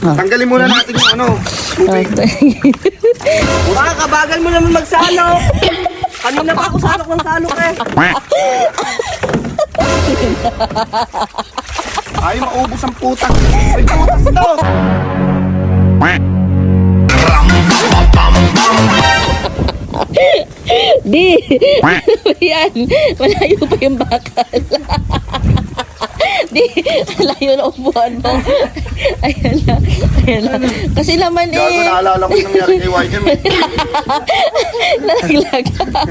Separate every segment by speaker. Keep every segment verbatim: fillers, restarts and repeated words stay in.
Speaker 1: Tanggalin muna natin yung ano. Tubig.
Speaker 2: Baka kabagal mo naman magsalo. Kanina pa ako salok ng salok eh.
Speaker 1: Ay, maubos ang puta. Ay, putas to.
Speaker 3: Di! Yan! Malayo pa yung bakal. Di! Malayo na upuan mo. Ayan na. Ayan na. Kasi naman
Speaker 1: Gago,
Speaker 3: eh.
Speaker 1: naalala ko yung nangyari kay Y M.
Speaker 3: Nalaglag.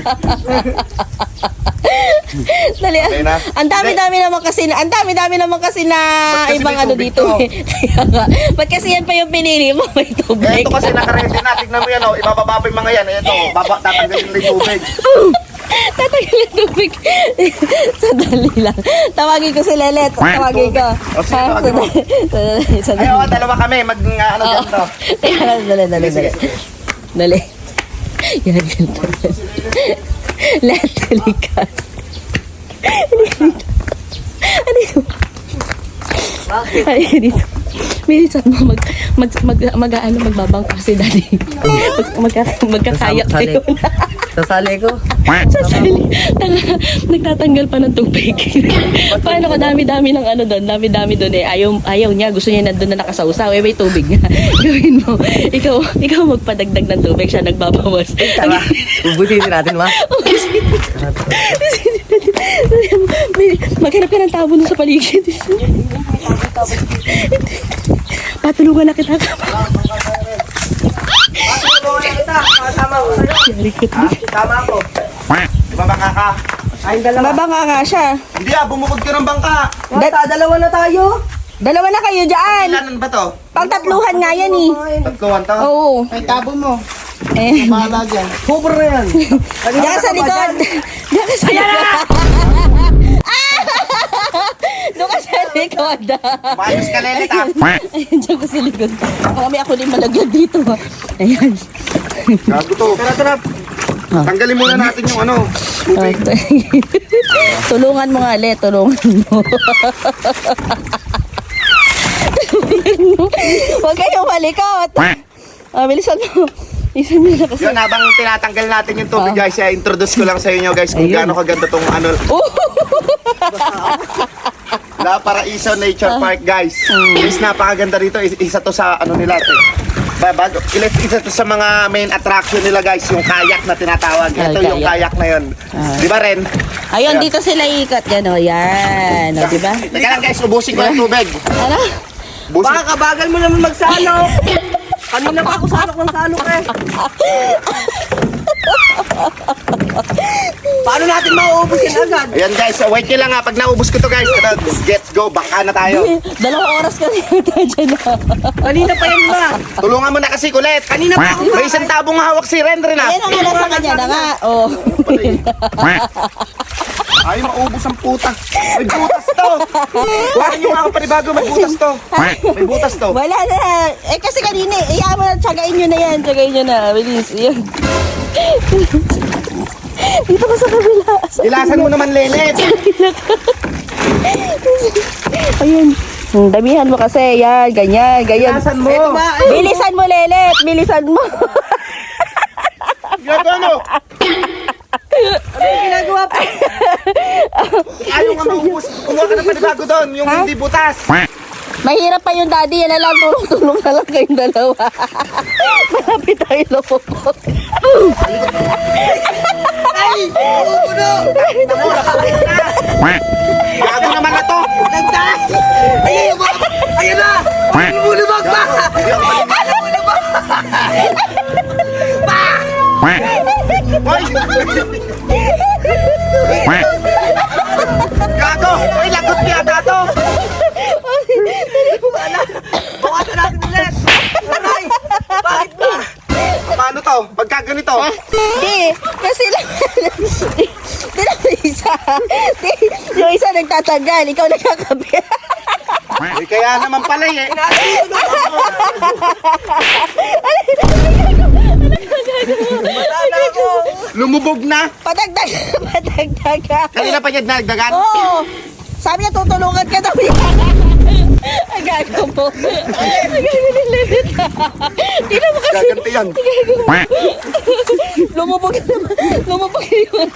Speaker 3: Dali.
Speaker 1: Okay na.
Speaker 3: Ang dami-dami naman kasi na, ang dami-dami naman kasi na
Speaker 1: Ba't kasi
Speaker 3: ibang
Speaker 1: may
Speaker 3: ano
Speaker 1: tubig
Speaker 3: dito.
Speaker 1: to?
Speaker 3: Eh. Kaya nga. Ba't kasi yan pa yung pinili mo? May
Speaker 1: Eh,
Speaker 3: tubig.
Speaker 1: ito kasi nakaredy na. Tignan mo yan, oh. Ibababa pa yung mga yan. Ito, baba, tatanggalin na yung tubig.
Speaker 3: Tatanggal yung tubig. Sandali lang. Tawagin ko si Lelet. Tawagin ko.
Speaker 1: O, sige,
Speaker 3: Ha?
Speaker 1: tawagin mo.
Speaker 3: Sandali.
Speaker 1: Ay,
Speaker 3: Sandali.
Speaker 1: oh, dalawa kami. Mag, nga, ano,
Speaker 3: Oo.
Speaker 1: ganito.
Speaker 3: Teka lang, dali, dali,
Speaker 1: Sige,
Speaker 3: dali.
Speaker 1: sige.
Speaker 3: Dali. Yan, ganito. Let, likas. Halika dito. Halika dito. Milisan mo, mag, mag, mag, mag, ano, magbabangka si daddy. Mag, magka, magkakayak
Speaker 2: Sasali.
Speaker 3: kayo.
Speaker 2: Sasali ko.
Speaker 3: Sasali. Tanga, nagtatanggal pa ng tubig. Paano ko dami-dami ng ano doon, dami-dami doon eh. Ayaw, ayaw niya, gusto niya nandun na nakasawsaw. Eh, may tubig nga. Gawin mo. Ikaw, ikaw magpadagdag ng tubig, siya nagbabawas.
Speaker 2: Tara, ubusin natin ma.
Speaker 3: Maghanap ka ng tabo nun sa paligid. Patulungan na kita.
Speaker 2: Kasama ko sa'yo.
Speaker 3: Yari ko.
Speaker 2: Tama ako.
Speaker 1: Di ba bangka ka?
Speaker 2: Ay, dalawa.
Speaker 3: Mabanga nga siya.
Speaker 1: Hindi ah, bumukod ka ng bangka.
Speaker 2: Basta, dalawa na tayo.
Speaker 3: Dalawa na kayo dyan.
Speaker 1: Ilanan ba to?
Speaker 3: Pangtatluhan nga yan eh.
Speaker 1: Tatluhan to?
Speaker 3: Oo.
Speaker 1: Ay, tabo mo.
Speaker 3: Eh.
Speaker 1: Bahala dyan.
Speaker 2: Cover na yan.
Speaker 3: Diyan ka sa likod. Diyan ka sa likod. Doon ka sa likod.
Speaker 1: Maayos ka, Lelet, ah.
Speaker 3: Ayan, diyan ka sa likod. Kami ako din malagyan dito. Ayan.
Speaker 1: Gago to.
Speaker 2: Tara, tara.
Speaker 1: Tanggalin muna natin yung ano. Tubig.
Speaker 3: Tulungan mo nga, Le. Tulungan mo. Tulungan mo. Huwag kayong malikot. Ah, bilisan mo. Bilisan mo na kasi.
Speaker 1: Yun, habang tinatanggal natin yung tubig,
Speaker 3: Ah.
Speaker 1: guys, eh, introduce ko lang sa inyo, guys, kung
Speaker 3: Ayun.
Speaker 1: gaano kaganda tong ano,
Speaker 3: Oh!
Speaker 1: La Paraiso Nature Park, guys.
Speaker 3: Mm.
Speaker 1: Guys, napakaganda rito. Is- Isa to sa ano nila, ito. Ba- Bago, ilis- isa to sa mga main attraction nila, guys, yung kayak na tinatawag.
Speaker 3: Ah,
Speaker 1: Ito yung
Speaker 3: kayak.
Speaker 1: kayak na yun.
Speaker 3: Ah.
Speaker 1: Di ba, Ren?
Speaker 3: Ayun, dito sila ikot. Yan o, yan. O, diba?
Speaker 1: Teka lang, guys, ubusin ko yung tubig.
Speaker 3: Ano?
Speaker 1: Ubusin.
Speaker 2: Baka kabagal mo naman magsalo. Kanina pa ako salok ng salok eh. Paano natin mauubusin agad?
Speaker 1: Ayan, guys, so wait nyo lang ha. Pag naubos ko to, guys, ito, let's go, bangka na tayo.
Speaker 3: Dalawang oras ka rin dyan na.
Speaker 2: Kanina pa yan ba?
Speaker 1: Tulungan mo na kasi, kulit.
Speaker 2: Kanina pa ako.
Speaker 1: May isang tabong hawak si Ren, Ren, ha?
Speaker 3: Ayan ang nasa kanya na nga. Oh.
Speaker 1: Ay, maubos ang puta. May butas to. Huwag nyo nga ako panibago, may butas to. May butas to.
Speaker 3: Wala na. Eh kasi kanina, eh, iyaman mo na, tsagain nyo na yan. Tsagain nyo na. Bilis. Yan. Dito ka sa kabila. Sa
Speaker 1: Ilasan mo naman, Lelet.
Speaker 3: Ayun. Hmm, damihan mo kasi. Yan, ganyan, ganyan.
Speaker 1: Ilasan mo.
Speaker 2: Ito ba? Ay,
Speaker 3: Bilisan mo, Lelet. Bilisan mo.
Speaker 1: Gagano.
Speaker 2: ano yung ginagawa pa?
Speaker 1: Ayaw nga maubos. Kumuha ka ng panibago doon, yung
Speaker 3: Ha?
Speaker 1: hindi butas.
Speaker 3: Mahirap pa yung daddy. Yan na lang. Tulong-tulong na lang kayong dalawa. Malapit tayo lumupot.
Speaker 2: Ay! Uuno!
Speaker 1: Gago naman na to.
Speaker 2: Nagdas! Ayun mo! Ayun na! Ayun mo na ba?
Speaker 1: Ayun mo na ba? Hoy! Gago! Hoy, lagot yata to.
Speaker 2: Bawasan natin ulit! Aray! Bakit ba?
Speaker 1: Paano to? Pagka ganito?
Speaker 3: Di, kasi lang. Di lang yung isa. Di, yung isa nagtatanggal, ikaw nagkakabit.
Speaker 1: Eh, kaya naman pala eh.
Speaker 2: Matala ako!
Speaker 1: Lumubog na.
Speaker 3: Padagdag, padagdag ka.
Speaker 1: Kanina pa niya nagdagan.
Speaker 3: Oo. Sabi niya, tutulungan ka daw yan. Ang gago po. Ang gago ni Ledet. Tingnan mo kasi.
Speaker 1: Gaganti yan.
Speaker 3: Lumubog naman. Lumubog yun.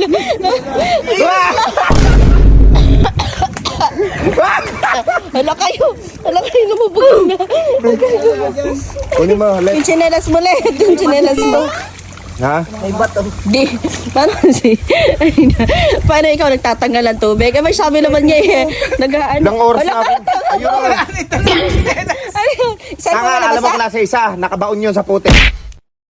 Speaker 3: Hala kayo. Hala kayo, lumubog na.
Speaker 1: Kunin mo, let.
Speaker 3: Yung chinelas mo, Led. Yung chinelas mo.
Speaker 1: Ha?
Speaker 3: Di, paano si, ay na, paano ikaw nagtatanggal ng tubig? Eh, may sabi naman niya eh, nag-ano.
Speaker 1: Ilang oras na ako. Ayun.
Speaker 3: Ayun, isa mo
Speaker 1: Tanga,
Speaker 3: na
Speaker 1: alam mo
Speaker 3: nabasa?
Speaker 1: klase isa, nakabaon yun sa puti.